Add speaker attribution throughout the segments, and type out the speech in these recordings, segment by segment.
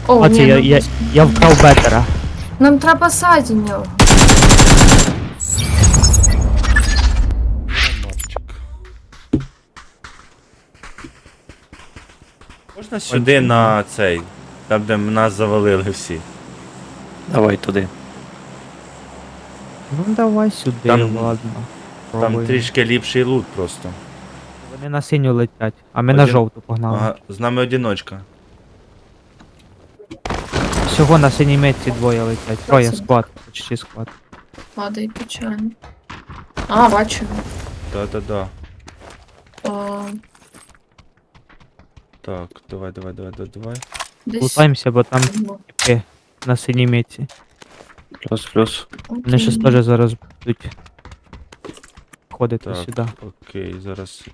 Speaker 1: О,
Speaker 2: А це
Speaker 1: ні,
Speaker 2: я вкрав бетера.
Speaker 1: нам треба ззаді нього.
Speaker 3: Ромарчик. Можна сюди на цей, там де нас завалили всі.
Speaker 4: Давай туди.
Speaker 2: Ну давай сюди,
Speaker 3: Там-
Speaker 2: ладно.
Speaker 3: Там
Speaker 2: Пробуємо.
Speaker 3: трішки ліпший лут просто.
Speaker 2: Вони на синю летять, а ми на
Speaker 3: Один-
Speaker 2: жовту погнали.
Speaker 3: Ага, з нами одиночка.
Speaker 2: Всього на синій метці двоє летять. Троє
Speaker 1: Це-
Speaker 2: склад, почти склад.
Speaker 1: Падає печально. А, бачу.
Speaker 3: Да-да-да.
Speaker 1: О,
Speaker 3: Так, давай.
Speaker 1: десь.
Speaker 2: Лутаємося, бо там
Speaker 1: було.
Speaker 2: типи на синій метці.
Speaker 4: Плюс.
Speaker 2: Вони щас
Speaker 1: Окей.
Speaker 2: теж зараз будуть ходити
Speaker 3: Так,
Speaker 2: сюди.
Speaker 3: окей, зараз.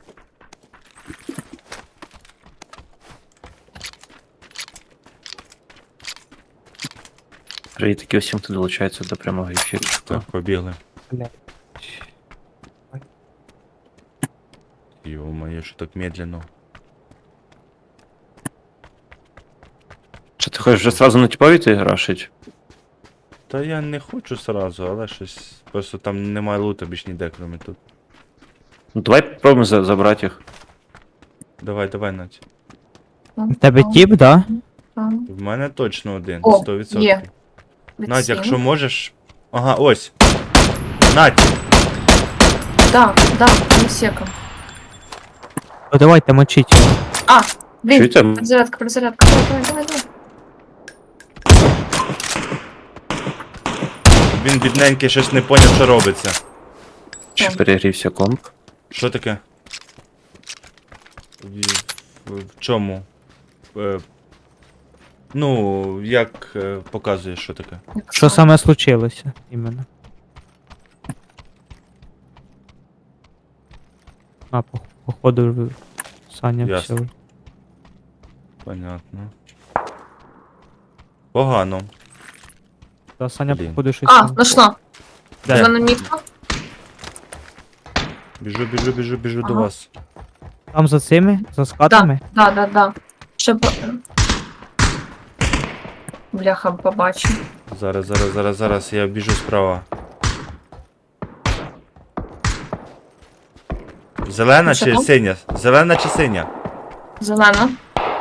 Speaker 4: Привітки усім, хто долучається до прямого ефіру.
Speaker 3: Так, побігли.
Speaker 2: Блядь.
Speaker 3: Ё-моё, що так медленно.
Speaker 4: Чи ти хочеш вже сразу на типові ти рашить?
Speaker 3: Та я не хочу сразу, але щось. Просто там немає лута більш ніде, кроме тут.
Speaker 4: Ну давай попробуємо забрати їх.
Speaker 3: Давай, Надь.
Speaker 2: У тебе тіп, да?
Speaker 3: В мене точно один,
Speaker 1: О,
Speaker 3: 100%.
Speaker 1: є.
Speaker 3: Надь, якщо можеш. Ага, ось. Надь!
Speaker 1: Да, не секом.
Speaker 2: Ну давайте мочіть його.
Speaker 1: А, блін,
Speaker 4: Чуєте?
Speaker 1: перезарядка. Давай.
Speaker 3: Він бідненький щось не поняв, що робиться.
Speaker 4: Чи перегрівся комп?
Speaker 3: Що таке? В чому? Ну, як показує, що таке?
Speaker 2: Що саме случилося іменно? А, походу Саня
Speaker 3: Ясно.
Speaker 2: все.
Speaker 3: Понятно. Погано.
Speaker 2: Та Саня,
Speaker 3: Блін.
Speaker 2: походу, щось.
Speaker 1: А,
Speaker 2: там-
Speaker 1: нашла.
Speaker 2: Де?
Speaker 1: Зелена мітка.
Speaker 3: Біжу до
Speaker 1: Ага.
Speaker 3: вас.
Speaker 2: Там за цими? За скатами?
Speaker 1: Да. Ще по... Бляха, побачу.
Speaker 3: Зараз, я біжу справа. Зелена
Speaker 1: Що
Speaker 3: чи
Speaker 1: там?
Speaker 3: синя? Зелена чи синя?
Speaker 1: Зелена.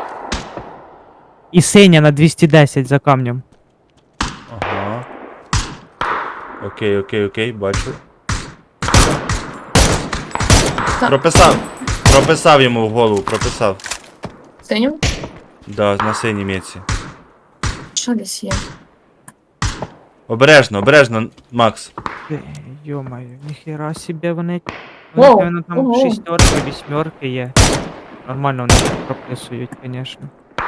Speaker 2: І синя на 210 за камнем.
Speaker 3: Ага. Окей, бачу.
Speaker 1: Так.
Speaker 3: Прописав йому в голову, прописав.
Speaker 1: Синю?
Speaker 3: Да, на синій міці.
Speaker 1: Що десь є?
Speaker 3: Обережно, Макс.
Speaker 2: Йо-моє, ніхера себе вони.
Speaker 1: Воу,
Speaker 2: Вони там
Speaker 1: ого.
Speaker 2: шістерки, вісьмерки є. Нормально вони так прописують, звісно.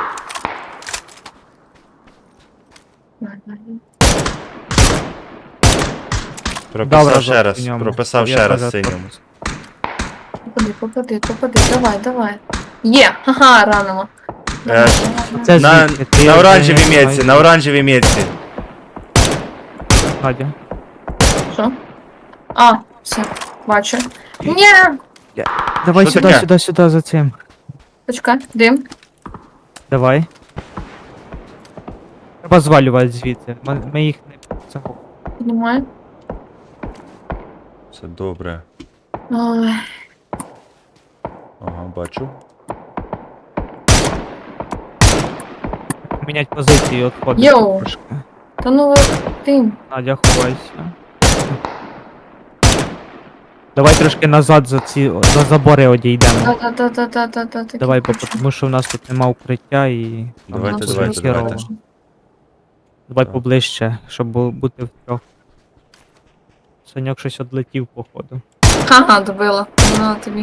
Speaker 3: Прописав ще раз.
Speaker 2: в ньому.
Speaker 3: Прописав
Speaker 2: Я
Speaker 3: ще раз
Speaker 2: теж
Speaker 3: синьому.
Speaker 1: Попади, давай. Є, ха-ха, ранило.
Speaker 3: Е,
Speaker 2: Це
Speaker 3: На,
Speaker 2: звідки? Ти
Speaker 3: на
Speaker 2: вже
Speaker 3: оранжевій
Speaker 2: не
Speaker 3: мітці,
Speaker 2: знаю.
Speaker 3: на оранжевій мітці.
Speaker 2: Надя.
Speaker 1: Що? А, все, бачу. Ні!
Speaker 2: Давай
Speaker 3: Що таке?
Speaker 2: сюди за цим.
Speaker 1: Почекай, дим.
Speaker 2: Давай. Треба звалювати звідси. Ми їх не цього.
Speaker 1: Піднімаю.
Speaker 3: Все добре.
Speaker 1: Ой,
Speaker 3: Ага, бачу.
Speaker 2: Мінять позиції відходити.
Speaker 1: Йоу.
Speaker 2: трошки.
Speaker 1: та ну дим.
Speaker 2: Надя, ховайся. Давай трошки назад за забори одійдемо.
Speaker 1: Да.
Speaker 2: Давай, бо тому що в нас тут нема укриття і.
Speaker 3: Давайте,
Speaker 2: нам
Speaker 3: давайте,
Speaker 2: буде херово.
Speaker 3: давайте.
Speaker 2: Давай
Speaker 3: Так.
Speaker 2: поближче, щоб бути втрьох. Саньок щось одлетів, походу.
Speaker 1: Ха-ха, добила. На тобі.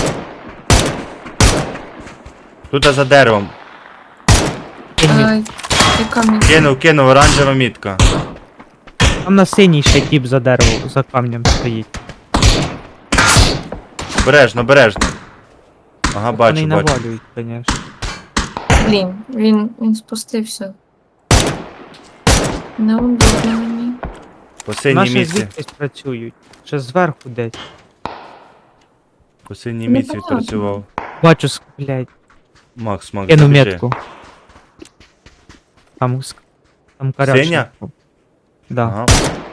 Speaker 3: Тут за деревом.
Speaker 1: Ай, яка мітка.
Speaker 3: Кинув, оранжева мітка.
Speaker 2: Там на синій ще тіп за дерево, за камнем стоїть.
Speaker 3: Обережно. Ага,
Speaker 2: Вони
Speaker 3: бачу.
Speaker 2: навалюють, звісно.
Speaker 1: Блін, він спустився. Неудобно мені.
Speaker 3: По синій
Speaker 2: Наші
Speaker 3: мітці.
Speaker 2: звідкись працюють. Ще зверху десь.
Speaker 3: По синій
Speaker 1: Не
Speaker 3: мітці
Speaker 1: понятно.
Speaker 3: відпрацював.
Speaker 2: Бачу, блядь,
Speaker 3: Макс,
Speaker 2: кину
Speaker 3: біжи.
Speaker 2: метку. Там, там карячка.
Speaker 3: Синя?
Speaker 2: Да.
Speaker 3: Ага.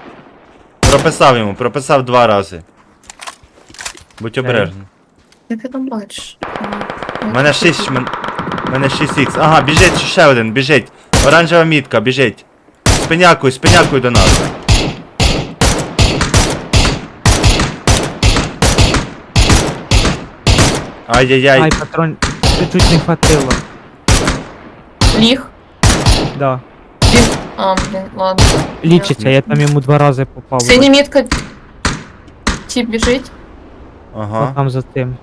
Speaker 3: Прописав 2 рази. Будь обережний.
Speaker 1: Як ти там бачиш?
Speaker 3: У мене 6, мене 6х. Ага, біжить ще один, біжить. Оранжева мітка, біжить. Спинякуй до нас. Ай-яй-яй.
Speaker 2: Ай, патрон, чуть-чуть не хватило.
Speaker 1: Ліг.
Speaker 2: Да.
Speaker 1: Він... А, блін, ладно.
Speaker 2: Лічиться, я там йому 2 рази попав.
Speaker 1: Синя мітка. Тіп біжить.
Speaker 3: Ага.
Speaker 2: Там за тим.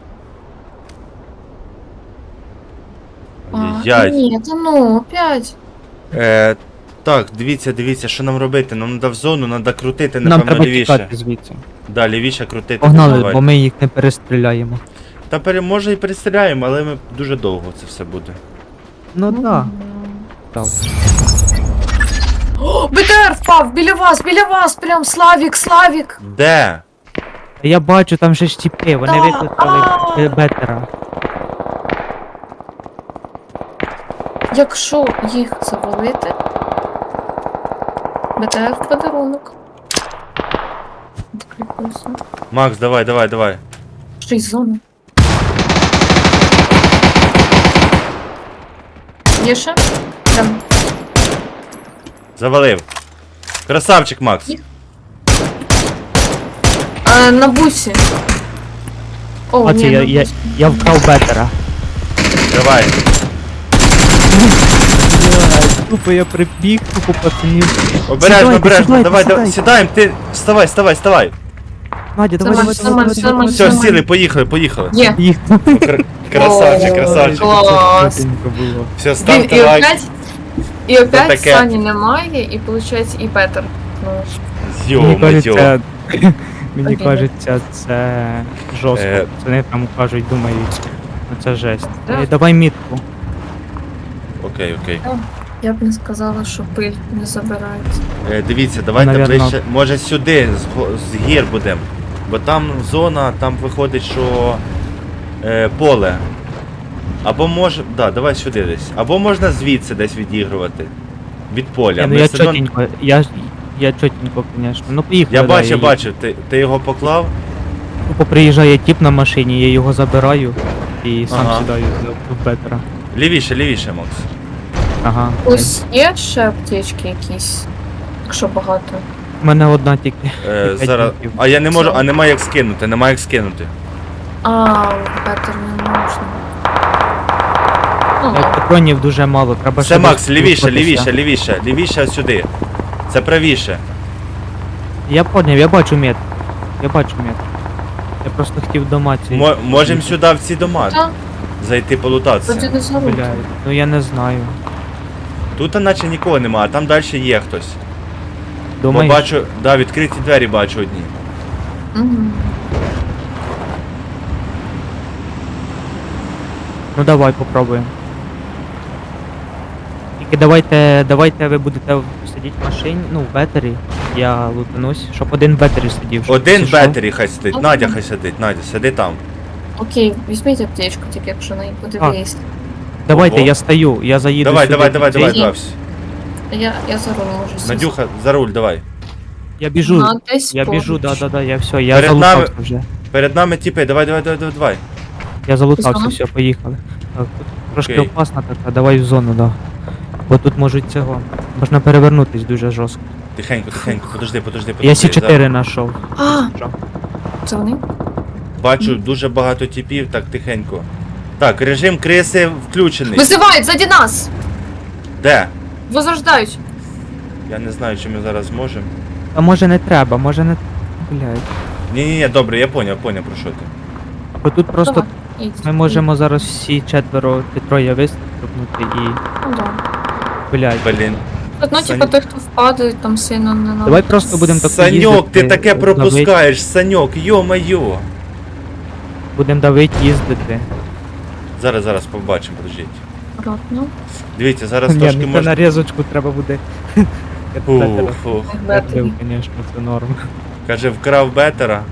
Speaker 3: Ай-яй.
Speaker 1: Ні, та ну, опять.
Speaker 3: Так, дивіться, що нам робити. Нам треба в зону, треба крутити,
Speaker 2: Нам
Speaker 3: напевно,
Speaker 2: треба
Speaker 3: лівіше.
Speaker 2: тікати звідси.
Speaker 3: Да, лівіше крутити.
Speaker 2: Погнали,
Speaker 3: давай.
Speaker 2: бо ми їх не перестріляємо.
Speaker 3: Та може і перестріляємо, але ми дуже довго це все буде.
Speaker 2: Ну да. Так.
Speaker 1: О, БТР впав! Біля вас! Прям Славік!
Speaker 3: Де?
Speaker 2: Я бачу, там же ж тіпи, вони
Speaker 1: Да,
Speaker 2: викликали бетера.
Speaker 1: Якщо їх завалити... БТР в подарунок. Відкликуюся.
Speaker 3: Макс, давай.
Speaker 1: Що із зони? Є ще? Прям.
Speaker 3: Завалив. Красавчик, Макс.
Speaker 1: На бусі. О,
Speaker 2: А це
Speaker 1: ні, на
Speaker 2: я
Speaker 1: бусі.
Speaker 2: вкрав бетера.
Speaker 3: Давай.
Speaker 2: Тупо я прибіг, тупо пацанів.
Speaker 3: Обережно,
Speaker 2: Сідайте,
Speaker 3: давай,
Speaker 2: сідайте.
Speaker 3: сідаємо, ти вставай.
Speaker 2: Надя, давай,
Speaker 1: Нормально, нормально.
Speaker 3: Все, сіли, поїхали.
Speaker 1: Є.
Speaker 2: Їх.
Speaker 3: Красавчик.
Speaker 1: Клас.
Speaker 2: Було.
Speaker 3: Все,
Speaker 1: Блін,
Speaker 3: ставте лайк.
Speaker 1: і опять
Speaker 3: таке.
Speaker 1: Сані немає, і виходить і Петер. Ну,
Speaker 2: Мені
Speaker 3: Йо-моє.
Speaker 2: кажеться, мені
Speaker 1: Обідно.
Speaker 2: кажеться, це жорстко.
Speaker 3: Е.
Speaker 2: Вони там кажуть, думають, ну це жесть.
Speaker 1: Да.
Speaker 2: Давай мітку.
Speaker 3: Окей.
Speaker 1: я б не сказала, що пиль не забирається.
Speaker 3: Дивіться, давайте
Speaker 2: Навірно.
Speaker 3: ближче. Може сюди, з гір будемо. Бо там зона, там виходить, що поле. Або може. Да, давай сюди десь. Або можна звідси десь відігрувати. Від поля.
Speaker 2: Ну
Speaker 3: Ми
Speaker 2: я
Speaker 3: все одно-
Speaker 2: чотенько, я чотенько, звісно. Ну поїхали.
Speaker 3: Я
Speaker 2: да,
Speaker 3: бачив, ти його поклав.
Speaker 2: Тупо приїжджає тіп на машині, я його забираю і сам
Speaker 3: Ага.
Speaker 2: сідаю в бетера.
Speaker 3: Лівіше, Макс.
Speaker 2: Ага.
Speaker 1: Ось є ще аптечки якісь, якщо багато.
Speaker 2: У мене одна тільки. П'ять
Speaker 3: Зараз.
Speaker 2: бінтів.
Speaker 3: А я не можу,
Speaker 1: Все.
Speaker 3: а немає як скинути,
Speaker 1: Петер не можна. Ну, ладно.
Speaker 2: Патронів дуже мало, треба
Speaker 3: Все,
Speaker 2: ще
Speaker 3: Макс,
Speaker 2: десь
Speaker 3: лівіше,
Speaker 2: рухатися.
Speaker 3: лівіше сюди. Це правіше.
Speaker 2: Я поняв, я бачу мет. Я просто хотів дома ці.
Speaker 3: Можемо сюди в ці дома
Speaker 1: Та,
Speaker 3: зайти
Speaker 1: тоді
Speaker 3: полутатися.
Speaker 1: не забудь.
Speaker 2: Блядь, ну я не знаю.
Speaker 3: Тут наче нікого нема, а там далі є хтось. Бо
Speaker 2: Думаєш?
Speaker 3: бачу, да, відкриті двері бачу одні.
Speaker 1: Мгм.
Speaker 2: Ну давай попробуємо. Тільки давайте ви будете сидіти в машині, ну в бетері. Я лутанусь, щоб один в бетері сидів. щоб
Speaker 3: Один в
Speaker 2: пішов.
Speaker 3: бетері хай сидить,
Speaker 1: Окей.
Speaker 3: Надя хай сидить, Надя, сиди там.
Speaker 1: Окей, візьміть аптечку, тільки якщо на буде
Speaker 2: Так.
Speaker 1: виїзд.
Speaker 2: Давайте,
Speaker 3: Ого.
Speaker 2: я стою, я заїду
Speaker 3: Давай,
Speaker 2: сюди.
Speaker 3: давай,
Speaker 2: під цей-
Speaker 3: Давсь.
Speaker 1: Я за руль можу сісти.
Speaker 3: Надюха, за руль, давай.
Speaker 2: Я біжу,
Speaker 1: Десь
Speaker 2: я біжу,
Speaker 1: поруч.
Speaker 2: да, я все, я
Speaker 3: Перед
Speaker 2: залутався
Speaker 3: нами-
Speaker 2: вже.
Speaker 3: Перед нами тіпи, давай.
Speaker 2: Я залутався,
Speaker 1: Зона?
Speaker 2: все, поїхали. Так, тут трошки
Speaker 3: Окей.
Speaker 2: опасно така, давай в зону, да. Бо тут можуть цього. Можна перевернутись дуже жорстко.
Speaker 3: Тихенько, подожди.
Speaker 2: Я С4 знайшов.
Speaker 1: А, це вони?
Speaker 3: Бачу дуже багато тіпів, так тихенько. Так, режим криси включений.
Speaker 1: Визивають, ззаді нас!
Speaker 3: Де?
Speaker 1: Возрождають.
Speaker 3: Я не знаю, чи ми зараз зможемо.
Speaker 2: А може не треба, може не. Блядь.
Speaker 3: Ні, добре, я поняв, про що ти.
Speaker 2: Бо тут просто
Speaker 1: Давай, їдь.
Speaker 2: ми можемо зараз всі четверо чи троє вистрибнути і.
Speaker 1: Ну да.
Speaker 2: Блядь.
Speaker 3: Блін.
Speaker 1: Ну,
Speaker 3: Саня-
Speaker 1: типа, той, хто впаде, там сильно не надо.
Speaker 2: Давай просто будемо так
Speaker 3: Саньок, ти таке
Speaker 2: давить.
Speaker 3: пропускаєш, Саньок, йо-майо.
Speaker 2: Будемо давити, їздити.
Speaker 3: Зараз побачимо, подождіть.
Speaker 1: Акуратно.
Speaker 3: Дивіться, зараз
Speaker 2: Ні,
Speaker 3: трошки
Speaker 2: ну це
Speaker 3: можна.
Speaker 2: нарізочку треба буде.
Speaker 3: Фух.
Speaker 2: Бетрів, звісно, це норм.
Speaker 3: Каже, вкрав бетера.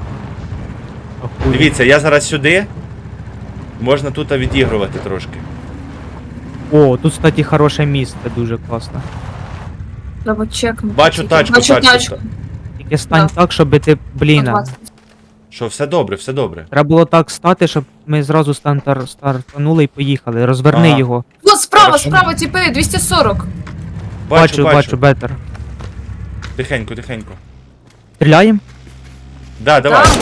Speaker 2: Охуєть.
Speaker 3: Дивіться, я зараз сюди. Можна тут відігрувати трошки.
Speaker 2: О, тут, кстати, хороше місце, дуже класно.
Speaker 1: Треба чекнути.
Speaker 3: Бачу
Speaker 1: тільки.
Speaker 3: тачку,
Speaker 1: Бачу
Speaker 3: тачку.
Speaker 1: тачку.
Speaker 2: Тільки стань
Speaker 1: Да.
Speaker 2: так, щоб ти, блін,
Speaker 1: 120.
Speaker 3: Що, все добре, все добре.
Speaker 2: треба було так стати, щоб ми зразу стартанули і поїхали. Розверни
Speaker 3: Ага.
Speaker 2: його.
Speaker 1: Вот справа,
Speaker 3: Хорошо.
Speaker 1: справа, типи, 240.
Speaker 2: Бачу, бетер.
Speaker 3: Тихенько, тихенько.
Speaker 2: Стріляємо?
Speaker 3: Да, давай.
Speaker 1: Да.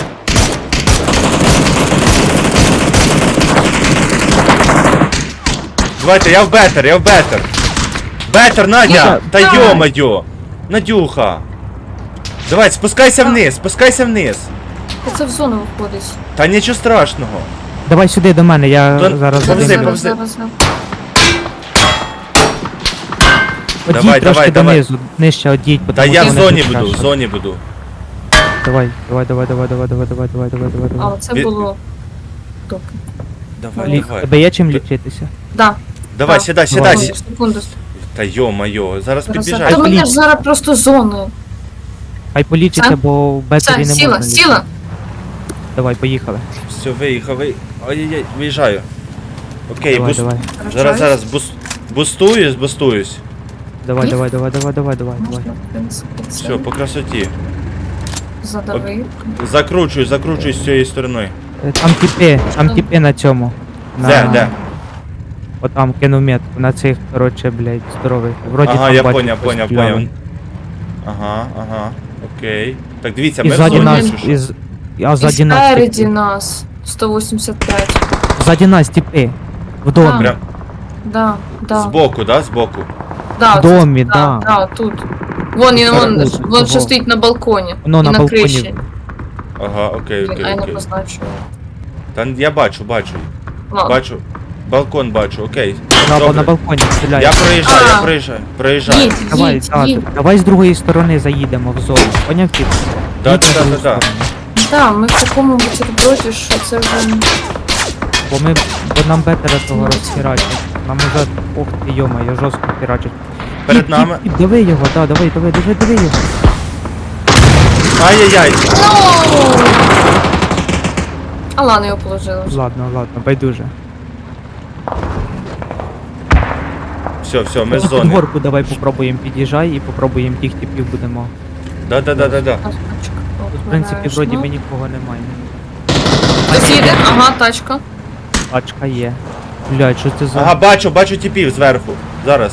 Speaker 3: Давайте, я в бетер, я в бетер. Бетер, Надя!
Speaker 2: Ну,
Speaker 3: Та
Speaker 1: давай.
Speaker 3: йо-моє! Надюха! Давай, спускайся вниз, спускайся вниз.
Speaker 1: Це в зону виходить.
Speaker 3: Та нічого страшного.
Speaker 2: Давай сюди до мене, я
Speaker 3: То-
Speaker 2: зараз
Speaker 3: повзи,
Speaker 2: задимлю.
Speaker 3: повзи.
Speaker 1: зараз.
Speaker 2: Одіть
Speaker 3: Давай,
Speaker 2: трошки
Speaker 3: давай.
Speaker 2: донизу, нижче одіть,
Speaker 3: Та
Speaker 2: потому
Speaker 3: я
Speaker 2: що
Speaker 3: в
Speaker 2: мене
Speaker 3: зоні
Speaker 2: тут
Speaker 3: буду, в
Speaker 2: тяжко.
Speaker 3: зоні буду.
Speaker 2: Давай, давай.
Speaker 1: А, оце
Speaker 3: Від-
Speaker 1: було. Добре.
Speaker 3: Давай,
Speaker 2: Лі...
Speaker 3: давай.
Speaker 2: Тебе є чим лічитися?
Speaker 1: Да.
Speaker 3: Давай,
Speaker 1: да.
Speaker 3: сідай,
Speaker 2: Давай.
Speaker 3: сідай.
Speaker 1: Секунду.
Speaker 3: Та йо-моє, зараз
Speaker 1: Та
Speaker 3: підбіжать.
Speaker 1: мене ж
Speaker 2: поліція.
Speaker 1: зараз просто зоною.
Speaker 2: Хай полічиться,
Speaker 1: Все?
Speaker 2: бо в бетері
Speaker 1: Все,
Speaker 2: не
Speaker 1: сіла,
Speaker 2: можна
Speaker 1: сіла.
Speaker 2: лічити. Давай, поїхали.
Speaker 3: Все, виїхав, Ай-яй-яй, виїжджаю. Окей,
Speaker 2: Давай, давай.
Speaker 3: Зараз бустуюсь.
Speaker 2: Давай,
Speaker 1: Ні?
Speaker 2: давай.
Speaker 1: Можна, в принципі, це
Speaker 3: Все, по красоті.
Speaker 1: задавив.
Speaker 3: Закручуй з цієї сторони.
Speaker 2: Там тіпи на цьому.
Speaker 3: Де?
Speaker 2: Отам кинув метку, на цих, короче, блядь, здорових. Вроді
Speaker 3: Ага,
Speaker 2: там
Speaker 3: я
Speaker 2: бачу,
Speaker 3: поняв.
Speaker 2: постріляли.
Speaker 3: Ага. Окей. Так, дивіться,
Speaker 2: І
Speaker 3: ми в
Speaker 2: ззаді
Speaker 3: зоні,
Speaker 2: нас,
Speaker 3: якщо що.
Speaker 2: а ззаді нас
Speaker 1: Спереді
Speaker 2: тіпи.
Speaker 1: нас. 185.
Speaker 2: Ззаді нас тіпи. В домі.
Speaker 3: Прям
Speaker 1: Да.
Speaker 3: збоку, да? Збоку.
Speaker 1: Да,
Speaker 2: В
Speaker 1: оце-
Speaker 2: домі, да.
Speaker 1: Да, тут. Вон
Speaker 2: Тут,
Speaker 1: що стоїть на балконі.
Speaker 2: Воно
Speaker 1: і
Speaker 2: на
Speaker 1: на
Speaker 2: балконі.
Speaker 1: криші.
Speaker 3: Ага, окей.
Speaker 1: Блін, а я не позначу.
Speaker 3: Та я бачу.
Speaker 1: Ладно.
Speaker 3: Бачу. Балкон бачу, окей.
Speaker 2: На
Speaker 3: Добре.
Speaker 2: балконі стріляє.
Speaker 3: Я
Speaker 1: А.
Speaker 3: проїжджаю.
Speaker 1: Їдь,
Speaker 2: Давай,
Speaker 1: їдь.
Speaker 2: давай з другої сторони заїдемо в зону. Поняв тип?
Speaker 3: Да.
Speaker 2: Їдь на другу сторону.
Speaker 1: Да, ми в такому бутерброді, що це вже...
Speaker 2: Бо нам бетера того
Speaker 1: Ну,
Speaker 2: розхерачать. Нам уже, ох ти йома, жорстко херачать.
Speaker 3: Перед
Speaker 2: Їдь,
Speaker 3: нами.
Speaker 2: їдь, Диви його, да, диви його.
Speaker 3: Ай-яй-яй.
Speaker 1: А ладно, його положили вже.
Speaker 2: Ладно, байдуже.
Speaker 3: Все, ми з
Speaker 2: Під
Speaker 3: зони.
Speaker 2: горку давай попробуємо під'їжджай і попробуємо тих типів будемо.
Speaker 3: Да.
Speaker 2: Тут, в принципі, вроді ми нікого немає.
Speaker 1: Хтось їде? Ага, тачка.
Speaker 2: Тачка є. Блядь, що це за...
Speaker 3: Ага, бачу типів зверху. Зараз.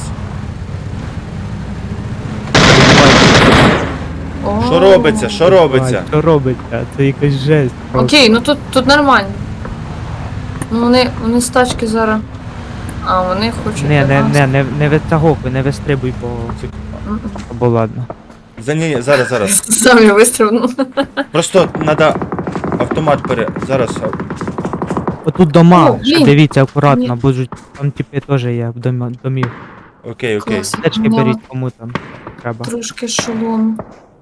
Speaker 1: О.
Speaker 3: Що робиться?
Speaker 2: Що робиться? Це якась жесть. просто.
Speaker 1: Окей, ну тут нормально. Ну вони з тачки зараз. А, вони хочуть. до нас.
Speaker 2: Не витягуй, не вистрибуй, бо...
Speaker 1: М-м.
Speaker 2: Або ладно.
Speaker 3: Зараз.
Speaker 1: Самі вистрибнув.
Speaker 3: Просто треба автомат Зараз.
Speaker 2: Отут дома,
Speaker 1: О,
Speaker 2: ще
Speaker 1: блін.
Speaker 2: дивіться акуратно,
Speaker 1: Ні.
Speaker 2: бо там типи теж є в домів.
Speaker 3: Окей.
Speaker 1: Клас.
Speaker 2: Течки
Speaker 1: Да.
Speaker 2: беріть кому там треба.
Speaker 1: Трошки шолом.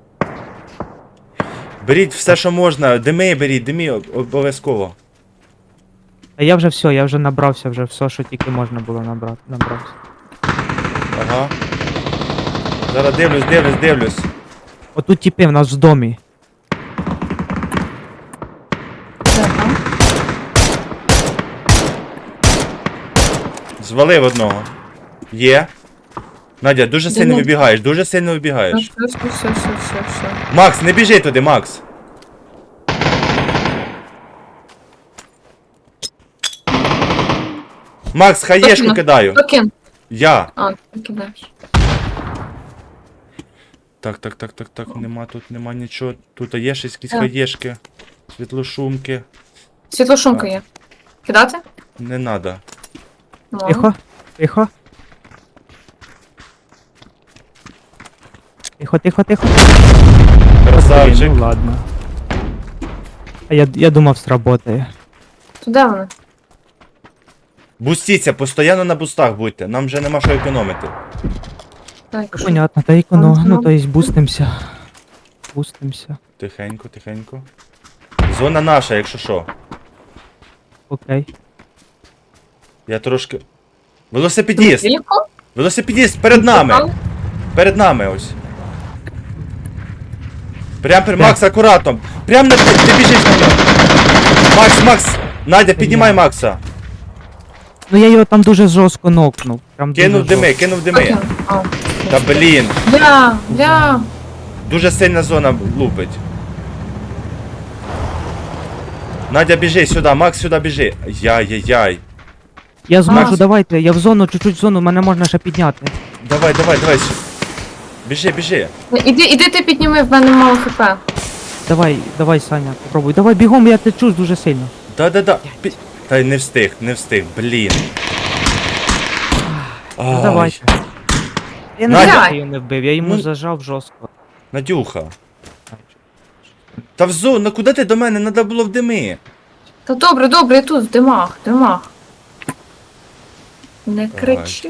Speaker 3: Беріть все, що можна. Дими обов'язково.
Speaker 2: А я вже все, я вже набрався, вже все, що тільки можна було набрався.
Speaker 3: Ага. Зараз дивлюсь.
Speaker 2: Отут типи в нас в домі.
Speaker 1: Де там?
Speaker 3: Звалив одного. Є. Надя, дуже
Speaker 1: Де
Speaker 3: сильно
Speaker 1: Надя?
Speaker 3: вибігаєш.
Speaker 1: Все.
Speaker 3: Макс, не біжи туди, Макс. Макс, хаєшку
Speaker 1: Точно.
Speaker 3: кидаю.
Speaker 1: Токін.
Speaker 3: Я.
Speaker 1: А, ти кидаєш.
Speaker 3: Так, нема нічого. Тут є ще якісь
Speaker 1: Так.
Speaker 3: хаєшки. Світлошумки.
Speaker 1: Світлошумка є. Кидати?
Speaker 3: Не надо.
Speaker 1: Ну.
Speaker 2: Тихо. Тихо.
Speaker 3: Красавчик.
Speaker 2: Ну ладно. А я думав, сработає.
Speaker 1: То де вони?
Speaker 3: Бустіться, постійно на бустах будьте. Нам вже нема що економити.
Speaker 1: Так, що?
Speaker 2: Понятно, та ікону, ну то есть бустимся.
Speaker 3: Тихенько. Зона наша, якщо що.
Speaker 2: Окей.
Speaker 3: Я трошки. Велосипедіст!
Speaker 1: Далеко?
Speaker 3: Велосипедіст перед нами! Перед нами ось. Прям
Speaker 2: Так.
Speaker 3: Макс, акуратно. Прям на ти біжиш на нього. Макс. Надя, піднімай Макса.
Speaker 2: Ну я його там дуже жорстко нокнув. Прям дуже
Speaker 3: Кинув дими,
Speaker 2: жорстко.
Speaker 3: кинув дими.
Speaker 1: Окей. А,
Speaker 3: Та блін,
Speaker 1: бля.
Speaker 3: дуже сильна зона лупить. Надя, біжи сюди, Макс сюди біжи. Яй-яй-яй.
Speaker 2: Я зможу,
Speaker 1: Макс.
Speaker 2: давайте, я в зону, чуть-чуть в зону, мене можна ще підняти.
Speaker 3: Давай. Біжи.
Speaker 1: Іди ти підніми, в мене мало хп.
Speaker 2: Давай, Саня, попробуй. Давай, бігом, я течу дуже сильно.
Speaker 3: Да. Та й не встиг, блін.
Speaker 2: Ну
Speaker 3: Ай,
Speaker 2: давайте. Я не
Speaker 3: Надя.
Speaker 2: знаю, що його не вбив, я йому
Speaker 3: Ну.
Speaker 2: зажав жорстко.
Speaker 3: Надюха. Та в зону, ну куди ти до мене? Надо було в дими.
Speaker 1: Та добре, я тут, в димах. Не кричи.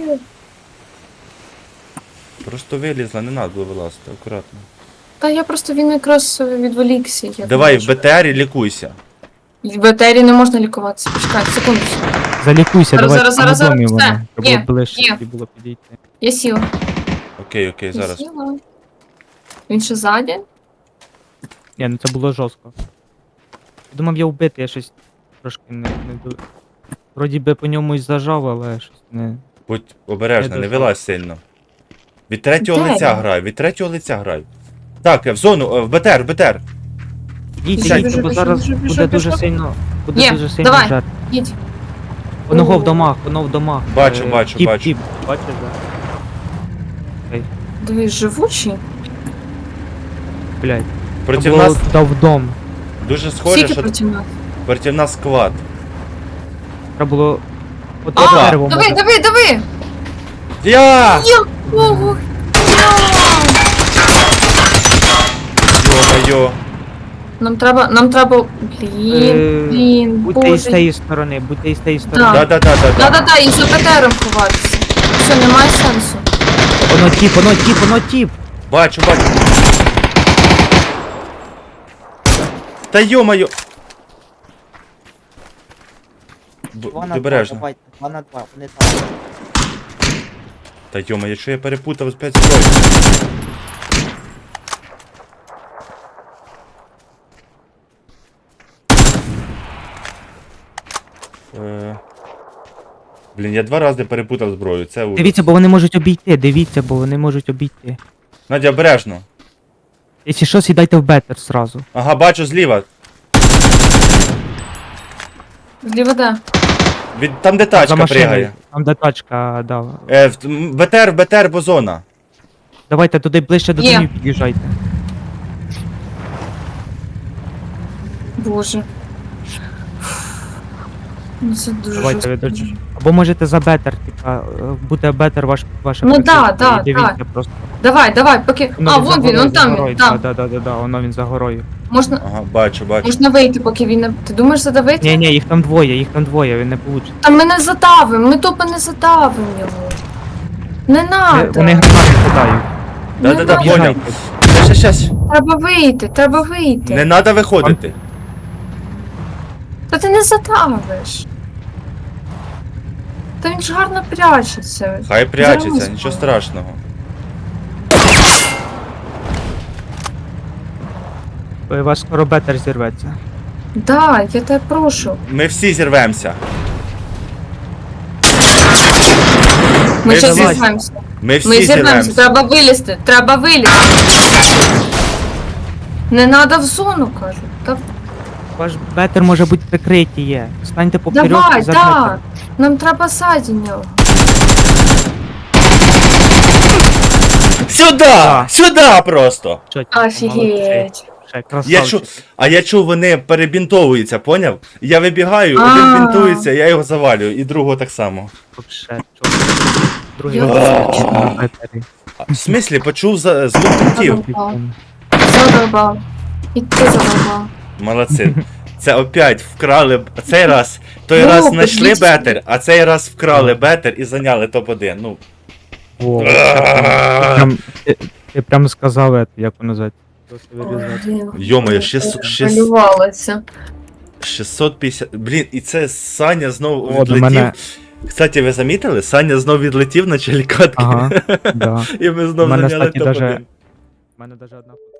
Speaker 3: Просто вилізла, не треба було вилазити, акуратно.
Speaker 1: Та я просто він якраз відволікся. Я
Speaker 3: Давай,
Speaker 1: думаю,
Speaker 3: в БТРі лікуйся.
Speaker 1: В БТРі не можна лікуватися. Почекай, секунду.
Speaker 2: Залікуйся,
Speaker 1: Зараз,
Speaker 2: давай,
Speaker 1: зараз,
Speaker 2: домі
Speaker 1: все,
Speaker 2: мене. Треба
Speaker 1: є,
Speaker 2: було ближче,
Speaker 1: є.
Speaker 2: тоді було підійти.
Speaker 1: Я сіла.
Speaker 3: Окей,
Speaker 1: Я
Speaker 3: зараз.
Speaker 1: сіла. Він ще ззаді?
Speaker 2: Ні, ну це було жорстко. Я думав, я вбитий, я щось трошки не до... Вроді би по ньому і зажав, але щось не...
Speaker 3: Будь обережна,
Speaker 2: Я
Speaker 3: не
Speaker 2: дожав.
Speaker 3: вилазь сильно. Від третього
Speaker 1: Де
Speaker 3: лиця
Speaker 1: він?
Speaker 3: грай, від третього лиця грай. Так, в зону, в БТР.
Speaker 2: Їдьте,
Speaker 1: Біжу,
Speaker 2: бо
Speaker 1: біжу,
Speaker 2: зараз
Speaker 1: біжу,
Speaker 2: буде дуже
Speaker 1: біжу.
Speaker 2: сильно... Буде
Speaker 1: Є,
Speaker 2: дуже сильно
Speaker 1: давай.
Speaker 2: жар.
Speaker 1: Їдь.
Speaker 2: Воно
Speaker 1: О.
Speaker 2: в домах, воно в домах.
Speaker 3: Бачу,
Speaker 2: Е,
Speaker 3: бачу,
Speaker 2: тіп,
Speaker 3: бачу.
Speaker 2: Тіп, бачиш, да?
Speaker 1: Дивись, живучий.
Speaker 2: Блядь.
Speaker 3: Проти
Speaker 2: Треба було
Speaker 3: нас
Speaker 2: туди в дом.
Speaker 3: дуже схоже,
Speaker 1: Скільки
Speaker 3: що
Speaker 1: проти нас?
Speaker 3: проти нас склад.
Speaker 2: Треба було... От
Speaker 3: Опа!
Speaker 2: дерево
Speaker 1: Дави!
Speaker 3: Я!
Speaker 1: Якого?
Speaker 3: Йо-моє.
Speaker 1: Нам треба... Блін,
Speaker 2: Будьте із
Speaker 1: боже.
Speaker 2: тієї сторони, будьте із тієї сторони.
Speaker 1: Да.
Speaker 3: Да-да-да-да.
Speaker 1: Да-да-да, і за БТРом ховатися. Все, немає сенсу.
Speaker 2: Воно тіп.
Speaker 3: Бачу. Та йо-моє. Будь обережно.
Speaker 2: Давайте, 2 на 2, вони там.
Speaker 3: Та йо-моє, що я перепутав з 5 зброї. Блін, я 2 рази перепутав зброю, це ужас.
Speaker 2: Дивіться, бо вони можуть обійти.
Speaker 3: Надя, обережно.
Speaker 2: Якщо що, сідайте в бетер сразу.
Speaker 3: Ага, бачу зліва.
Speaker 1: Зліва де?
Speaker 3: Там де
Speaker 2: За
Speaker 3: тачка
Speaker 2: машиною.
Speaker 3: пригає.
Speaker 2: Там де тачка, да.
Speaker 3: БТР, бо зона.
Speaker 2: Давайте туди ближче до
Speaker 1: Є.
Speaker 2: домів під'їжджайте.
Speaker 1: Боже. Ну це дуже
Speaker 2: Давайте ви
Speaker 1: жорстко.
Speaker 2: дочі. Або можете за бетер, типа, буде бетер ваше
Speaker 1: Ну
Speaker 2: прикриття,
Speaker 1: да,
Speaker 2: і дивіться
Speaker 1: да.
Speaker 2: просто.
Speaker 1: Давай, поки...
Speaker 2: Воно
Speaker 1: А,
Speaker 2: він за
Speaker 1: вон він,
Speaker 2: горою,
Speaker 1: он там
Speaker 2: за
Speaker 1: він,
Speaker 2: горою.
Speaker 1: там.
Speaker 2: Да, воно він за горою.
Speaker 1: Можна
Speaker 3: Ага, бачу.
Speaker 1: вийти, поки він не... Ти думаєш задавити?
Speaker 2: Ні, їх там двоє, він не получить.
Speaker 1: Та ми не задавимо, ми тупо не задавимо його. Не надо.
Speaker 2: Вони гранати кидають.
Speaker 3: Да-да-да,
Speaker 1: надо.
Speaker 3: поняв.
Speaker 2: Їжджайте.
Speaker 3: Щас.
Speaker 1: Треба вийти.
Speaker 3: Не треба виходити.
Speaker 1: Та ти не задавиш. Та він ж гарно прячеться.
Speaker 3: Хай прячеться,
Speaker 1: Зараз.
Speaker 3: нічого страшного.
Speaker 2: У вас скоро бетер зірветься.
Speaker 1: Да, я тебе прошу.
Speaker 3: Ми всі зірвемося.
Speaker 1: Ми
Speaker 3: Ми
Speaker 1: ще
Speaker 3: всі-
Speaker 1: зірвемося.
Speaker 3: Ми всі
Speaker 1: Ми зірвемося,
Speaker 3: зірвемося.
Speaker 1: треба вилізти. Не надо в зону, кажу. Та
Speaker 2: Ваш бетер може бути прикриті є. Станьте поперек
Speaker 1: давай,
Speaker 2: і за
Speaker 1: да.
Speaker 2: бетер.
Speaker 1: Нам треба ззаді нього.
Speaker 3: Сюди просто.
Speaker 2: Що, молодці.
Speaker 1: Офігеть.
Speaker 2: Ще красавчик.
Speaker 3: Я чув, вони перебінтовуються, поняв? Я вибігаю, один
Speaker 1: А.
Speaker 3: бінтується, я його завалюю, і другого так само.
Speaker 2: Вообще, чого? Другий
Speaker 1: Я
Speaker 2: раз
Speaker 1: бачу.
Speaker 2: на бетері.
Speaker 3: В смислі, почув звук крутів.
Speaker 1: Задовбав. І ти задовбав.
Speaker 3: Молодці. Це опять вкрали цей раз. Той
Speaker 1: Ну,
Speaker 3: раз знайшли
Speaker 1: подивіться.
Speaker 3: бетер, а цей раз вкрали бетер і зайняли топ-1. Ну.
Speaker 2: О, ти прям сказав, як воно звати.
Speaker 3: Йо-моє, 600.
Speaker 1: Малювалася.
Speaker 3: 650. Блін, і це Саня знову
Speaker 2: О, до
Speaker 3: відлетів.
Speaker 2: мене.
Speaker 3: Кстати, ви замітили? Саня знов відлетів на челікатки.
Speaker 2: Ага, да.
Speaker 3: І ми знов
Speaker 2: У мене,
Speaker 3: зайняли
Speaker 2: кстати,
Speaker 3: топ-1.
Speaker 2: У мене даже одна